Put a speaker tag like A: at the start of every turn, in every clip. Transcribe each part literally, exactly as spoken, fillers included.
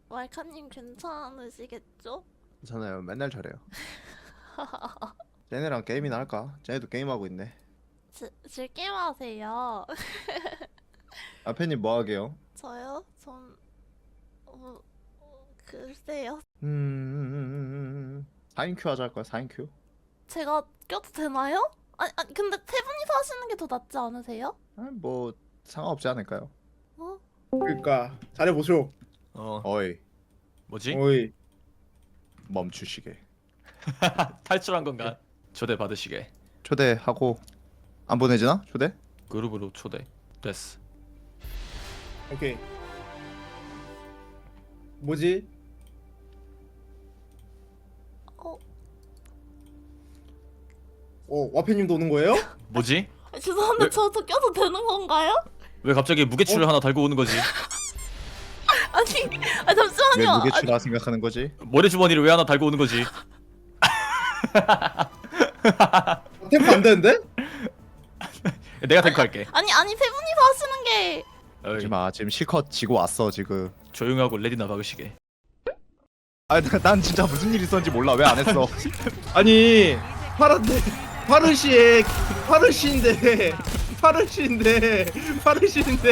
A: 말카님 괜찮으시겠죠?
B: 괜찮아요. 맨날 저래요. 쟤네랑 게임이나 할까? 쟤네도 게임하고 있네.
A: 지, 즐게임 하세요.
B: 아페님 뭐 하게요?
A: 저요? 전 어, 어, 글쎄요.
B: 음... 사 인 큐 하자 할까요? 사 인 큐?
A: 제가 껴도 되나요? 아니, 아니 근데 세 분이서 하시는 게 더 낫지 않으세요?
B: 아, 뭐 상관없지 않을까요?
A: 어?
C: 그러니까 잘해보쇼.
D: 어
B: 어이
D: 뭐지?
C: 어이.
B: 멈추시게.
D: 탈출한 건가? 초대 받으시게.
B: 초대하고 안 보내지나? 초대?
D: 그룹으로 초대 됐어.
C: 오케이. 뭐지?
A: 어?
C: 어, 와페님도 오는 거예요?
D: 뭐지?
A: 아, 죄송한데
D: 왜?
A: 저도 껴도 되는 건가요?
D: 왜 갑자기 무게추를 하나 달고 오는 거지?
A: 아니, 아
B: 왜
A: 잠시만요. 아니,
B: 무게추라 생각하는 거지?
D: 모래 주머니를 왜 하나 달고 오는 거지?
C: 템프 안 되는데?
D: 내가 탱크할게.
A: 아니 아니 세 분이서 하시는 게
D: 어이,
B: 하지마. 지금 실컷 지고 왔어 지금.
D: 조용하고 레디나 박으시게.
B: 아, 나- 난 진짜 무슨 일 있었는지 몰라. 왜 안 했어?
C: 아니, 파란데, 파르시에, 파르시인데, 파르시인데, 파르시인데.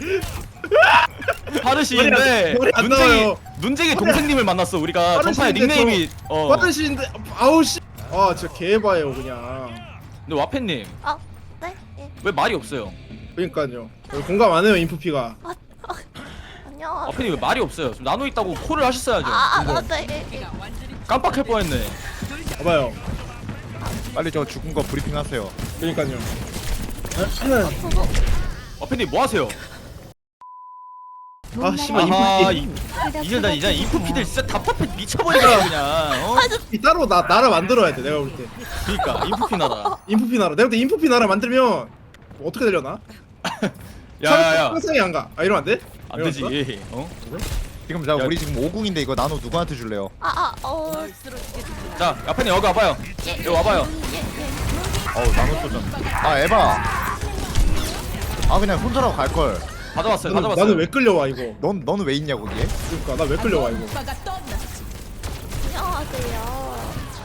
D: 파르시인데
C: 머리 안
D: 눈쟁이
C: 나와요.
D: 눈쟁이 동생님을 만났어. 우리가 전파의
C: 파르시인데
D: 닉네임이 어.
C: 파르시인데, 아우 씨. 아, 진짜 개봐요 그냥.
D: 근데 와펜님
A: 아, 네? 예.
D: 왜 말이 없어요?
C: 그러니까요. 공감 안 해요 인프피가.
A: 안녕하세요.
D: 와펜님 왜 말이 없어요? 지금 나노 있다고 콜을 하셨어야죠.
A: 아, 아, 아, 네. 예, 예.
D: 깜빡할 뻔했네.
C: 봐봐요.
B: 빨리 저 죽은 거 브리핑 하세요.
C: 그러니까요.
A: 저도
D: 와펜님 뭐 하세요?
C: 아 씨발
D: 아하
C: 인프피.
D: 이, 이제 나 이제 인프피들 진짜 답답해 미쳐버리겠다 그냥. 어?
C: 이 따로 나 나라 만들어야 돼 내가 볼 때.
D: 그니까 인프피 나라.
C: 인프피 나라. 내가 볼 때 인프피 나라 만들면 뭐 어떻게 되려나?
D: 야야야
C: 상상이 안 가. 아 이러면 안 돼?
D: 안 되지. 어?
B: 지금 자
D: 야.
B: 우리 지금 오궁인데 이거 나노 누구한테 줄래요?
A: 아, 아, 어,
D: 자 와펜님 여기 와봐요.
A: 예,
D: 여기 와봐요.
A: 예, 예.
B: 어우 나노 소전. 아 에바. 아 그냥 혼자라고 갈 걸.
D: 가져왔어요.
C: 나는,
D: 가져왔어요.
C: 나는 왜 끌려와 이거?
B: 넌 너는 왜 있냐 거기에?
C: 그러니까 나 왜 끌려와 이거?
A: 안녕하세요.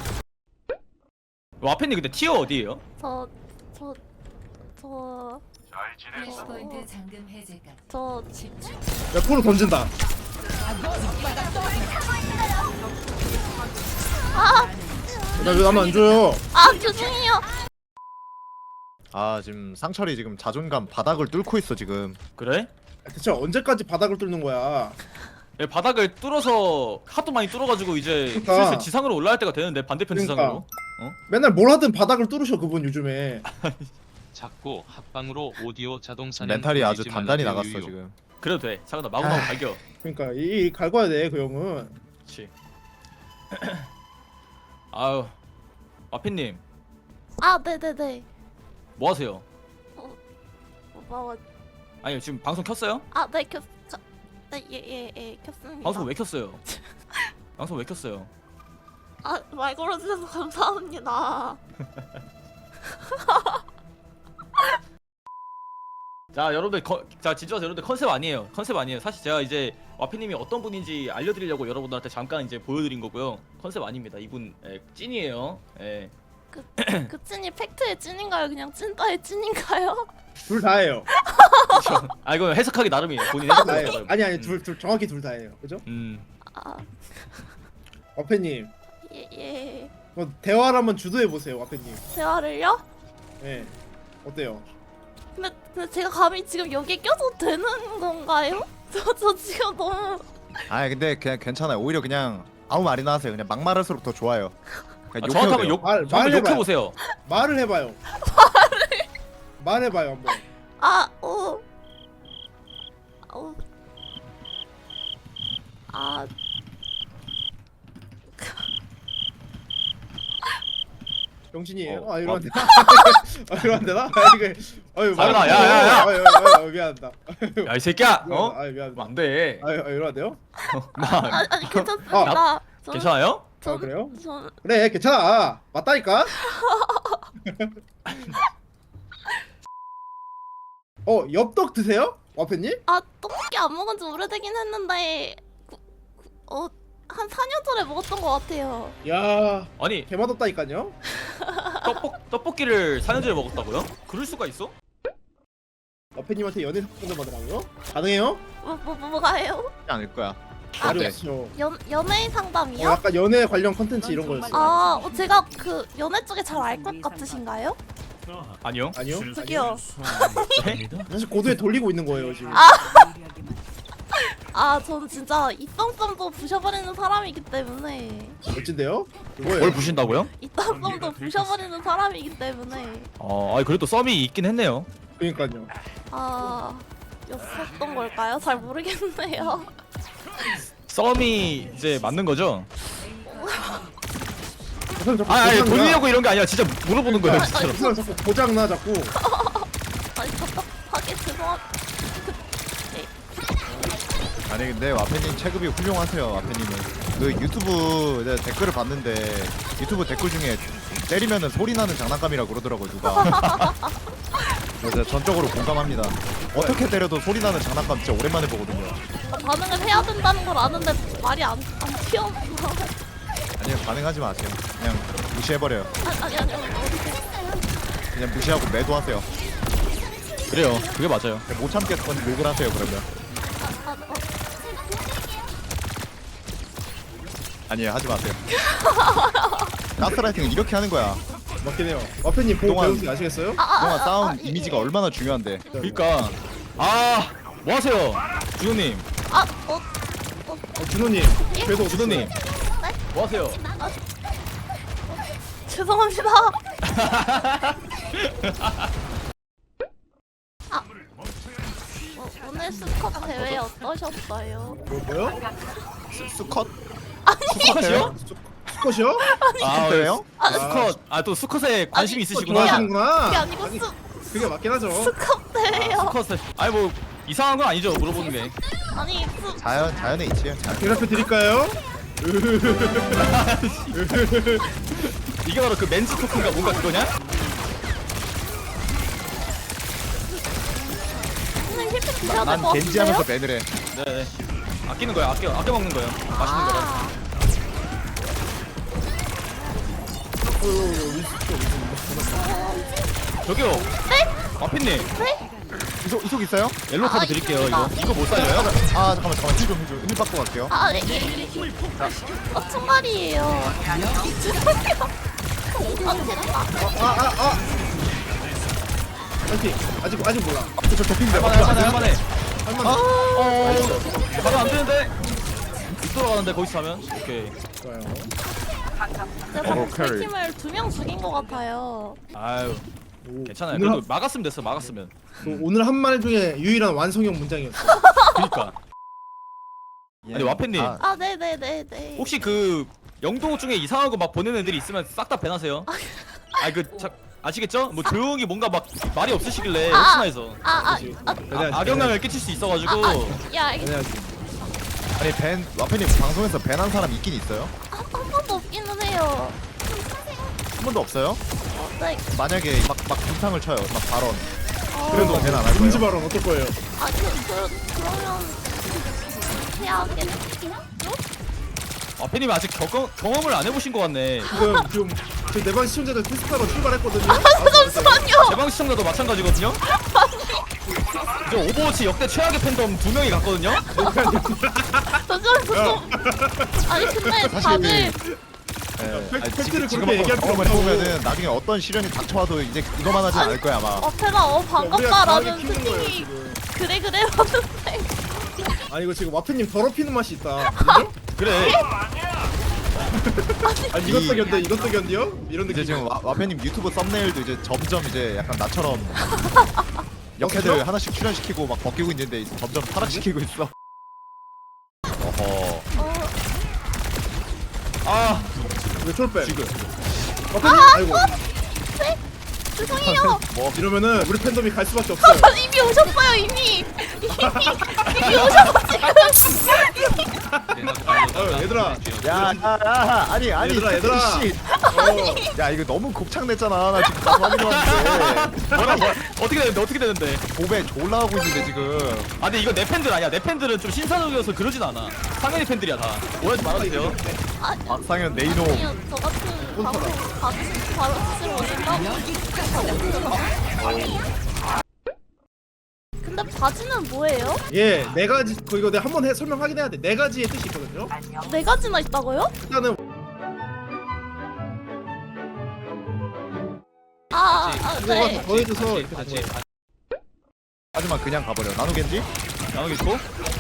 D: 와펜님 근데 티어 어디에요?
A: 저, 저, 저,
E: 플래시포인트 잠금 해제까지
A: 저,
C: 야 코로 던진다.
A: 아,
C: 나왜 나는 안 줘요?
A: 아, 죄송해요.
B: 아 지금 상철이 지금 자존감 바닥을 뚫고 있어 지금.
D: 그래?
C: 대체 언제까지 바닥을 뚫는 거야?
D: 예, 바닥을 뚫어서 하도 많이 뚫어가지고 이제
C: 그러니까.
D: 슬슬 지상으로 올라갈 때가 되는데 반대편
C: 그러니까.
D: 지상으로.
C: 맨날 뭘 하든 바닥을 뚫으셔 그분 요즘에.
F: 작고 합방으로 오디오 자동 사냥
B: 멘탈이 아주
F: 돌리지
B: 단단히
F: 말라고
B: 나갔어
F: 유유.
B: 지금.
D: 그래도 돼. 잠깐만 마구마구
B: 아.
D: 발겨.
C: 그러니까 이, 이 갈궈야 돼 그 형은.
D: 그렇지. 아유 와펜님
A: 아, 네, 네, 네.
D: 뭐 하세요?
A: 뭐,
D: 아니 지금 방송 켰어요?
A: 아, 네, 켰, 켰, 네, 예, 예, 예, 켰습니다.
D: 방송 왜 켰어요? 방송 왜 켰어요?
A: 아, 말 걸어주셔서 감사합니다.
D: 자 여러분들 거, 자 진짜 여러분들 컨셉 아니에요. 컨셉 아니에요. 사실 제가 이제 와페님이 어떤 분인지 알려드리려고 여러분들한테 잠깐 이제 보여드린 거고요. 컨셉 아닙니다. 이분 에, 찐이에요. 예.
A: 그, 그 찐이 팩트의 찐인가요? 그냥 찐따의 찐인가요?
C: 둘 다예요.
D: 그쵸? 아 이거 해석하기 나름이에요. 본인 해석하기
C: 다예요.
D: 나름.
C: 아니 아니 둘 둘 정확히 둘 다예요. 그죠?
D: 음.
A: 아,
C: 와페님,
A: 예, 예.
C: 뭐 대화를 한번 주도해 보세요, 와페님.
A: 대화를요?
C: 예. 어때요?
A: 근데, 근데 제가 감히 지금 여기에 껴도 되는 건가요? 저, 저 지금 너무
B: 아 근데 그냥 괜찮아요. 오히려 그냥 아무 말이나 하세요. 그냥 막말할수록 더 좋아요.
D: 아,
B: 그냥
D: 정확하면
B: 욕해도
D: 욕,
C: 말-
D: 정확하면
C: 말해봐요.
D: 욕해보세요.
C: 말을 해봐요. 말을 말해봐요 한번.
A: 아, 어, 어, 아,
C: 병신이에요?
B: 어,
C: 아
B: 어.
C: 이러면 되나? 아 이러면 되나? 아 이거 아유
D: 사연아,
C: 말을-
D: 야, 야, 야.
C: 아유, 아유, 아유, 미안하다.
D: 야 이 새끼야. 어?
C: 아유 미안하다.
D: 안 돼.
C: 아유 아유, 이러면 돼요?
D: 마
A: 아, 아니 괜찮습니다. 저는-
D: 괜찮아요?
C: 아 그래요?
A: 저는
C: 그래 괜찮아. 맞다니까. 어 엽떡 드세요? 와페님?
A: 아 떡볶이 안 먹은 지 오래되긴 했는데 구, 어, 한 사 년 전에 먹었던 것 같아요.
C: 야
D: 아니
C: 개맛없다니까요.
D: 떡볶 떡볶이를 사 년 전에 먹었다고요? 그럴 수가 있어?
C: 와페님한테 연애 상담 받으라고요? 가능해요?
A: 뭐, 뭐, 뭐, 뭐가요?
B: 하지 않을 거야.
C: 말이
B: 네.
C: 없죠.
A: 연, 연예인
C: 어,
A: 상담이요?
C: 약간 연애 관련 컨텐츠 이런 거였어요.
A: 아, 어, 제가 그 연애 쪽에 잘 알 것 같으신가요?
D: 아니요.
C: 아니요?
A: 저기요.
D: 네?
C: 사실 고도에 돌리고 있는 거예요 지금.
A: 아, 저는 진짜 입방점도 부셔버리는 사람이기 때문에
C: 멋진데요?
D: 뭘
C: 그거예요.
D: 부신다고요?
A: 입방점도 부셔버리는 사람이기 때문에
D: 어, 아니 그래도 썸이 있긴 했네요.
C: 그러니까요.
A: 아, 였었던 걸까요? 잘 모르겠네요.
D: 썸이 이제 맞는 거죠?
C: 그 사람 자꾸
D: 아, 아니
C: 고장나.
D: 돌리려고 이런 게 아니라 진짜 물어보는 거예요,
C: 그
D: 진짜로.
C: 사람 자꾸 고장나 자꾸.
A: 아니, 답답하게 죄송합니다.
B: 아니 근데 와페님 체급이 훌륭하세요. 와페님은 그 유튜브 이제 댓글을 봤는데 유튜브 댓글 중에 때리면은 소리 나는 장난감이라고 그러더라고요 누가. 그래서 전적으로 공감합니다. 어떻게 때려도 소리 나는 장난감 진짜 오랜만에 보거든요.
A: 어, 반응을 해야 된다는 걸 아는데 말이 안, 안 튀어나와.
B: 아니요 반응하지 마세요. 그냥 무시해버려요.
A: 아니, 아니, 아니.
B: 그냥 무시하고 매도하세요.
D: 그래요. 그게 맞아요.
B: 못 참겠건 욕을 하세요 그러면.
A: 아, 어,
B: 아니에요 하지 마세요. 가스라이팅은 이렇게 하는 거야.
C: 맞긴 해요. 와페님 보고
B: 그동안-
C: 배우신 거 아시겠어요?
A: 아, 아,
B: 그동안
A: 아,
B: 쌓은
A: 아, 예,
B: 이미지가
A: 예.
B: 얼마나 중요한데.
D: 그러니까 아, 뭐 하세요? 준호님,
A: 아, 어,
C: 어, 준호님 그래도
D: 준호님. 뭐 하세요?
A: 죄송합니다. 아, 어, 오늘 스컵 대회 어떠셨어요?
C: 뭐, 뭐요?
B: 수, 수컷?
D: 수컷이요?
C: 수컷이요?
D: 아,
B: 수컷이에요?
D: 수컷. 아, 또 수컷에 관심이 있으시구나.
C: 좋아하시는구나.
A: 그게 아니고
C: 아니,
A: 스,
C: 그게 맞긴 하죠.
A: 스컵 대회요.
D: 수컷에. 아니 뭐 이상한 건 아니죠, 물어보는 게.
A: 아니, 스,
B: 자연 자연의 이치예요. 자연.
C: 대답해 드릴까요?
D: 이게 바로 그 멘즈 토크인가 뭔가 그거냐?
A: 선생님 힐팩 드셔야
B: 난
A: 될것
B: 겐지
A: 같은데요?
B: 하면서 밴을 해.
D: 네, 네. 아끼는 거야. 아껴 아껴 먹는 거예요. 맛있는 거라.
A: 아,
D: 저기요. 네? 아피님.
A: 네?
B: 이속 이속 있어요?
D: 옐로 카드
A: 아,
D: 드릴게요.
A: 있습니다.
D: 이거 이거 못 살려요?
B: 아 잠깐만 잠깐만 힐좀 힐좀 힐 받고 갈게요.
A: 아, 예, 예. 어, 총알이에요. 죄송해요. 아, 됐다.
C: 아아 아. 파이팅. 아직 아직 몰라.
B: 저 도핑돼.
D: 할만해 할만해 할만해.
C: 할만해.
D: 어, 바로 안 되는데. 못 돌아가는데 거기서 하면. 오케이.
C: 좋아요.
A: 제가
B: 어,
A: 제
B: 캐리.
A: 팀을 두 명 죽인 것 같아요.
D: 아유,
C: 오,
D: 괜찮아요.
C: 오늘,
D: 그래도 막았으면 됐어. 막았으면.
C: 한, 오늘 한 말 중에 유일한 완성형 문장이었어.
D: 그러니까. 아니, 와펜님.
B: 아,
A: 아, 네네네네.
D: 혹시 그 영도 중에 이상한 거 막 보내는 애들이 있으면 싹 다 배나세요. 아니 그 자, 아시겠죠? 뭐 조용히 뭔가 막 말이 없으시길래
A: 아,
D: 혹시나 해서
A: 아, 아,
C: 그치.
A: 아,
C: 배내야지,
D: 아, 악영향을 끼칠 수 있어가지고.
A: 아, 아, 야, 알겠어.
C: 배내야지.
B: 아니 밴 와페님 방송에서 밴한 사람 있긴 있어요?
A: 한 번도 없기는 해요.
B: 한 번도 없어요?
A: 어, 네.
B: 만약에 막막 분탕을 쳐요. 막 발언.
A: 어,
B: 그래도 밴 안 할
C: 금지
B: 거예요?
C: 발언 어떨 거예요?
A: 아, 그, 그, 그러면 해야겠죠?
D: 아페님이 아직 경험, 경험을 안 해보신 것 같네.
C: 지금 지금 제 내방 시청자들 테스트하러 출발했거든요.
A: 아, 잠시만요.
D: 제방 시청자도 마찬가지거든요. 이제 오버워치 역대 최악의 팬덤 두 명이 갔거든요.
A: 잠시만, 좀. 아니, 근데 다들
B: 네.
C: 팩-
B: 아니,
C: 팩트를
B: 지금
C: 그렇게
B: 지금 한번
C: 얘기할
B: 경험을
C: 필요 없고.
B: 해보면은 나중에 어떤 시련이 닥쳐와도 이제 이거만 하진 않을 거야 아마.
A: 어페나 어
C: 우리가
A: 반갑다라는
C: 강하게 키우는 거예요,
A: 채팅이
C: 지금.
A: 그래 그래 하는데
C: 아니 이거 지금 와페님 더럽히는 맛이 있다. 그죠?
D: 그래.
C: 아니
B: 이-
C: 이것도 견뎌 이것도 견뎌? 이런
B: 이제
C: 느낌.
B: 지금 와, 와페님 유튜브 썸네일도 이제 점점 이제 약간 나처럼 역해들
C: 어때요?
B: 하나씩 출연시키고 막 벗기고 있는데 이제 점점 타락시키고 있어. 어허.
A: 어,
D: 아,
C: 왜 쫄빼?
D: 지금.
C: 와페님 아이고
A: 죄송해요.
B: 뭐
C: 이러면은 우리 팬덤이 갈 수밖에 없어요.
A: 이미 오셨어요 이미 이미 이미 오셔서 지금
C: 어, 얘들아.
B: 야, 야, 야, 아니, 아니,
C: 얘들아, 얘들아.
B: 씨.
C: 어.
B: 야, 이거 너무 곱창 냈잖아. 나 지금 가서 확인해 왔는데.
D: 뭐라 뭐 어떻게 되는데 어떻게 되는데?
B: 도배 졸라 하고 있는데 지금.
D: 아 근데 이거 내 팬들 아니야. 내 팬들은 좀 신사적이어서 그러진 않아. 상현이 팬들이야 다. 오해하지 말아주세요.
A: 아,
B: 박상현 네이노.
A: 아니요, 저 같은 바로 받으시 바로 스스로 오신다고. 근데 바지는 뭐예요?
C: 예, 네 가지 그 이거 내가 한번 해 설명 확인해야 돼. 네 가지의 뜻이 있거든요.
A: 네 가지나 있다고요?
C: 일단은
A: 아, 아
C: 이거가
A: 네.
C: 더 더해져서 이렇게
F: 바지
C: 된 거예요.
B: 하지만 그냥 가버려. 나누겐지?
D: 나누겠고.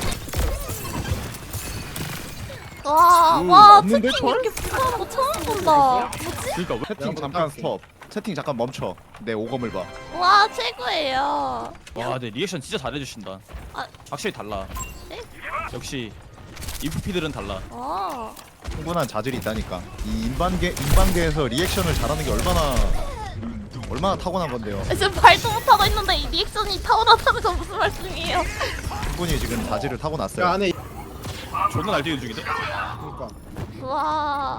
A: 와,
B: 음,
A: 와,
B: 없는데,
A: 채팅
B: 철?
A: 이렇게 부서는 거 처음 본다. 뭐지?
D: 그러니까 왜?
B: 채팅
C: 한번
B: 잠깐
C: 따볼게.
B: 스톱. 채팅 잠깐 멈춰. 내 오검을 봐.
A: 와, 최고예요.
D: 와, 네 리액션 진짜 잘해주신다.
A: 아.
D: 확실히 달라.
A: 네?
D: 역시 인프피들은 달라.
A: 아,
B: 충분한 자질이 있다니까. 이 인반계 인반계에서 리액션을 잘하는 게 얼마나 얼마나 타고난 건데요.
A: 지금 말도 못하고 있는데 이 리액션이 타오르다는 건 무슨 말씀이에요?
B: 충분히 지금 자질을 타고났어요.
C: 그 안에
D: 존나 날뛰는 중인데?
C: 그러니까
A: 와,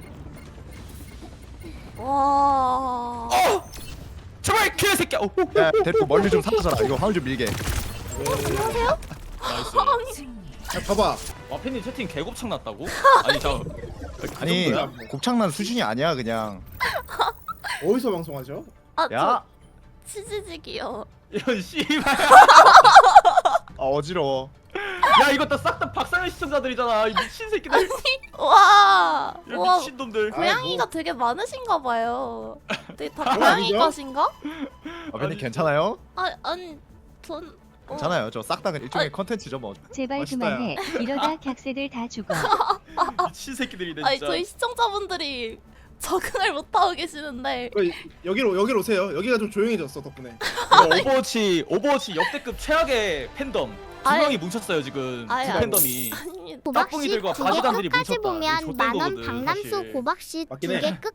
A: 와.
D: 제발 개 새끼야. 오, 오, 오.
B: 야, 데리고 멀리 좀 사라져라. 이거 화물 좀 밀게.
A: 안녕하세요?
D: 나이스.
C: 야, 봐봐.
D: 와팬님 채팅 개곱창 났다고? 아니 저. 그
B: 아니
D: 정도야?
B: 곱창난 수준이 아니야 그냥.
C: 어디서 방송하죠?
A: 아,
B: 야,
A: 저 치즈직이요.
D: 이런 씨발.
B: 아, 어지러워.
D: 야 이거 다 싹 다 박상현 시청자들이잖아. 이 미친 새끼들.
A: 와,
D: 이
A: 와.
D: 미친 놈들.
A: 고양이가 되게 많으신가 봐요. 되게 다
C: 그건
A: 고양이
C: 아니죠?
A: 것인가?
B: 아버님 괜찮아요?
A: 아, 아니, 전 어,
B: 괜찮아요. 저 싹 다 일종의 컨텐츠죠 뭐.
G: 제발
C: 멋있다,
G: 그만해. 이러다 객세들 다 죽어.
D: 미친 새끼들이네
A: 아니
D: 진짜.
A: 저희 시청자분들이 적응을 못 하고 계시는데
C: 그, 여기로 여기로 오세요. 여기가 좀 조용해졌어 덕분에.
D: 이거 오버워치 오버워치 역대급 최악의 팬덤 두
A: 아예-
D: 명이 뭉쳤어요 지금.
A: 아예
D: 두
A: 아니-
D: 팬덤이.
A: 아니
D: 깍봉이들과
H: 두개
D: 바지단들이
H: 끝까지
D: 뭉쳤다. 이거
H: 보면
D: 좆된
H: 만원
D: 거거든,
H: 박람수
D: 사실.
H: 고박씨
C: 맞긴 해.
H: 두 개 끝.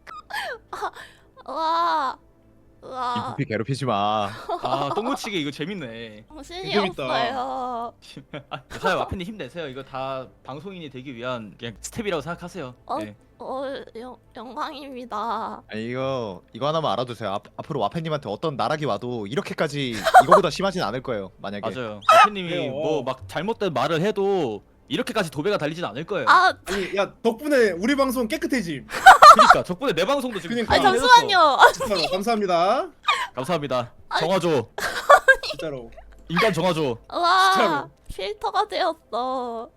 A: 와, 와,
B: 인프피 괴롭히지 마.
D: 아 똥무치기 이거 재밌네.
A: 정신이
C: 재밌다.
A: 없어요.
D: 사실 와팬님 힘내세요. 이거 다 방송인이 되기 위한 그냥 스텝이라고 생각하세요.
A: 어?
D: 네.
A: 어, 영, 영광입니다.
B: 아니 이거 이거 하나만 알아두세요. 앞, 앞으로 와페님한테 어떤 나락이 와도 이렇게까지 이거보다 심하진 않을 거예요. 만약에.
D: 맞아요. 와팬님이
C: 그래요.
D: 뭐 막 잘못된 말을 해도 이렇게까지 도배가 달리진 않을 거예요.
A: 아,
C: 아니 야 덕분에 우리 방송 깨끗해짐.
D: 그러니까 덕분에 내 방송도 지금
C: 그러니까.
A: 아니
D: 다 해줬어.
A: 잠시만요.
C: 진짜로 감사합니다.
D: 감사합니다. 정화조.
C: 진짜로.
D: 인간 정화조.
A: 와,
C: 진짜로.
A: 필터가 되었어.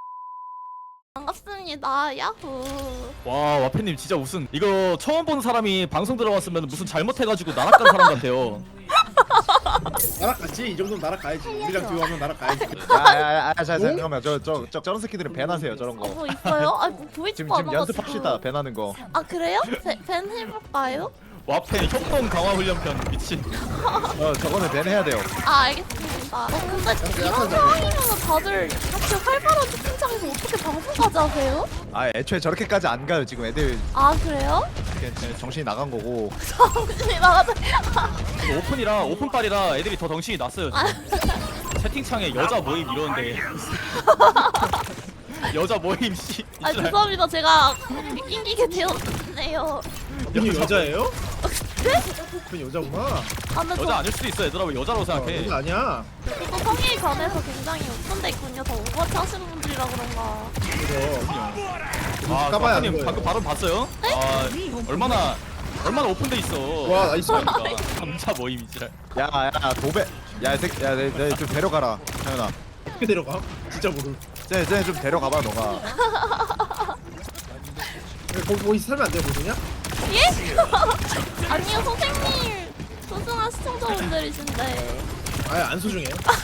A: 반갑습니다. 야호.
D: 와 와팬님 진짜 무슨 이거 처음 본 사람이 방송 들어왔으면 무슨 잘못해가지고 나락간 사람 같아요.
C: 날아갔지? 이 정도면 날아가야지. 우리랑 듀오하면 날아가야지.
B: 야야야, 자 잠깐만. 저 저 저 저런 새끼들은 밴하세요. 저런
A: 어,
B: 거.
A: 뭐 있어요? 아, 뭐 보이지도
B: 지금 지금
A: 않아가지고.
B: 연습합시다. 밴하는 거.
A: 아, 그래요? 배- 밴 해볼까요?
D: 와팬 협동 강화 훈련편 미친.
B: 어 저거는 밴해야 돼요.
A: 아, 알겠습니다. 어, 근데 이런 상황이면 다들 이렇게 활발한 채팅창에서 어떻게 방송까지 하세요?
B: 아 애초에 저렇게까지 안 가요. 지금 애들
A: 아, 그래요?
B: 그냥 정신이 나간 거고.
A: 정신이 나가서.
D: 이거 오픈이라 오픈빨이라 애들이 더 덩신이 났어요. 지금. 채팅창에 여자 모임 이러는데. 여자 모임 씨.
A: 아, 죄송합니다. 제가 낑기게 되었네요.
C: 분이 여자예요? 분이 여자구나.
A: 아, 근데
D: 여자
A: 저
D: 아닐 수도 있어. 얘들아 왜 여자라고
C: 어,
D: 생각해?
C: 여자 아니야.
A: 또 성에 관해서 굉장히 오픈됐군요. 더 오버워치 하시는 분들이라 그런가.
C: 그래서
D: 아,
C: 까봐야
D: 와팬님
C: 하는
D: 방금
C: 거예요.
D: 발언 봤어요? 아, 얼마나 얼마나 오픈돼 있어.
C: 와, 나이스.
D: 그러니까 남자 모임이지라.
B: 야야 도배. 야이 새끼 야내좀 데려가라. 태연아.
C: 어떻게 데려가? 진짜 모르.
B: 쟤쟤좀 데려가봐 너가.
C: 거기 거기 살면 안 돼, 보느냐?
A: 예? 아니요, 선생님. 소중한 시청자분들이신데.
C: 아예 안 소중해.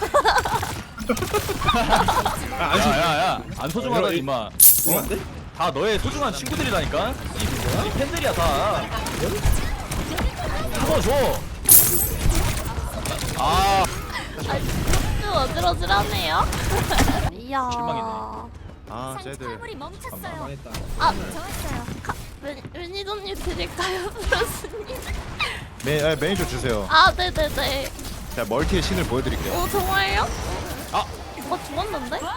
C: 아, 안 소중해.
D: 야야야 안 소중하다
C: 이러-
D: 임마.
C: 그러면 안 돼?
D: 다 너의 소중한 친구들이라니까. 이, 이 팬들이야 다. 한번 줘. 아
A: 아, 좀 어지러지하네요. 이야.
D: 실망이네.
B: 아 쟤들.
C: 아, 망했다.
A: 아, 좋았어요. 매, 매니저님 드릴까요, 브로스님?
B: 매 아, 매니저 주세요.
A: 아, 네네네.
B: 자 멀티의 신을 보여드릴게요.
A: 오, 정말요?
D: 아.
A: 어, 죽었는데?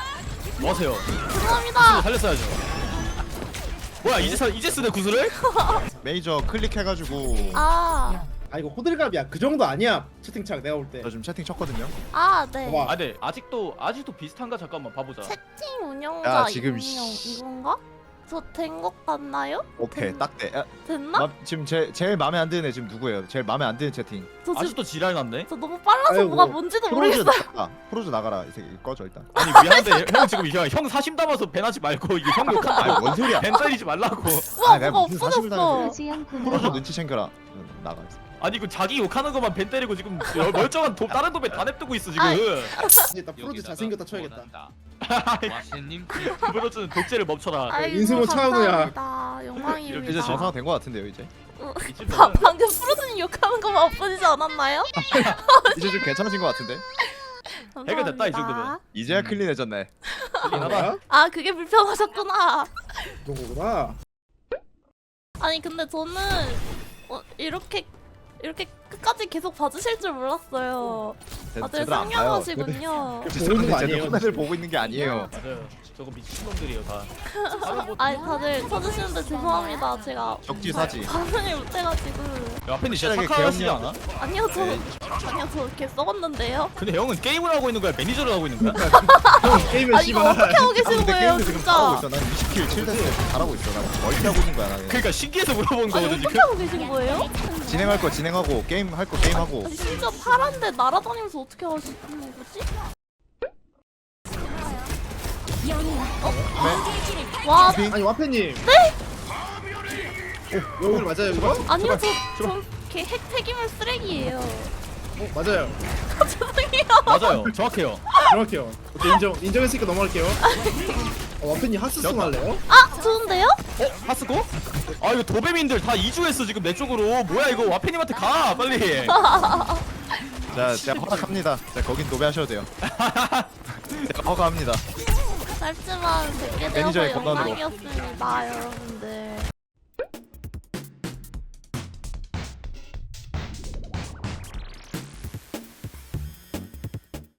D: 뭐 하세요?
A: 죄송합니다.
D: 살렸어야죠. 뭐야 이제 사, 이제 쓰네 구슬을?
B: 메이저 클릭해가지고
A: 아,
C: 아 이거 호들갑이야. 그 정도 아니야. 채팅창 내가 볼 때.
B: 저 지금 채팅 쳤거든요.
A: 아, 네.
C: 봐봐.
D: 아 네 아직도 아직도 비슷한가 잠깐만 봐보자.
A: 채팅 운영자
B: 야, 지금
A: 운영
B: 씨.
A: 이건가? 저 된 것 같나요?
B: 오케이
A: 됐-
B: 딱 돼. 아,
A: 됐나?
B: 마, 지금 제 제일 마음에 안 드는 애 지금 누구예요? 제일 마음에 안 드는 채팅.
A: 저 지금
D: 아직도 지랄 났네.
A: 저 너무 빨라서
C: 아이고.
A: 뭐가 뭔지도
B: 프로즈
A: 모르겠어요.
B: 나가. 프로즈 나가라. 이 새끼 꺼져 일단.
D: 아니 미안한데 형 지금 이형 형 사심 담아서 배나지 말고 이게 형 욕한다고.
B: 아뭔 소리야?
D: 벤 때리지 말라고.
A: 우와,
B: 아, 내가
A: 뭐가
B: 무슨 사심을
A: 없어졌어.
G: 수영
B: 프로즈
G: 고마워.
B: 눈치 챙겨라. 응, 나가.
D: 아니 그 자기 욕하는 것만 벤 때리고 지금 여- 멀쩡한 도, 다른 도배 다 냅두고 있어 지금.
A: 아이.
C: 이제 나 프로즈 잘생겼다 쳐야겠다.
F: 와페님
D: 브로즈는 독재를 멈춰라.
A: 아이고,
C: 인생은 차은우야.
A: 감사합니다. 영광입니다.
B: 이제 정상 된거 같은데요 이제.
D: 이쯤
A: 바,
D: 되면
A: 방금 프로즈님 욕하는 거만 엎어지지 않았나요?
B: 이제 좀 괜찮아진 거 같은데.
D: 해결됐다, 이 정도면.
A: 감사합니다.
B: 이제야 클린해졌네.
C: 뭐야?
A: 아, 그게 불편하셨구나.
C: 그런 거구나.
A: 아니 근데 저는 어, 이렇게 이렇게 끝까지 계속 봐주실 줄 몰랐어요. 다들
B: 쟤들 안 봐요.
A: 상냥하시군요.
C: 그 보고 있는 거 아니에요.
B: 화면을 보고 있는 게 아니에요.
D: 맞아요. 저거 미친놈들이에요 다. 다른 뭐
A: 아니 다들 쳐주시는데 죄송합니다. 제가
B: 적지사지.
A: 반응을 못해가지고.
D: 야, 앞에 진짜
B: 확실하게
D: 착하시지
B: 개혁력.
D: 않아?
A: 아니요 저
B: 네.
A: 아니요 저 이렇게 썩었는데요.
D: 근데 형은 게임을 하고 있는 거야? 매니저를 하고 있는 거야?
C: 형 게임을
A: 아 이거 어떻게
C: 씨발.
A: 하고
B: 아,
A: 계시는
B: 근데
A: 거예요
B: 게임도 지금 잘하고
A: 진짜?
B: 있어. 난 이십 킬 칠 데스 잘하고 있어. 난 멀티하고 있는 거야 나는.
D: 그러니까 신기해서 물어본
A: 아니
D: 거거든
A: 어떻게
D: 지금.
A: 하고 계신 거예요?
B: 진행할 거 진행하고 게임 할 거 게임하고.
A: 아니, 심지어 파란데 날아다니면서 어떻게 하시는 거지? 와
C: 아니 와페님. 네? 어, 여기 맞아요 이거?
A: 아니요 저저 핵 폐기물 쓰레기예요.
C: 어 맞아요.
A: 죄송해요.
D: 맞아요. 정확해요.
C: 정확해요. 오케이 인정 인정했으니까 넘어갈게요. 어, 와페님 하스송 할래요?
A: 아 좋은데요?
D: 어? 하스고? 아 이거 도배민들 다 이주했어 지금 내 쪽으로. 뭐야 이거 와페님한테 가 빨리.
B: 자, 제가 허락합니다. 자, 거긴 도배하셔도 돼요. 제가 허가합니다.
A: 짧지만 뵙게
B: 매니저의
A: 되어서
B: 권한으로.
A: 영광이었습니다 여러분들.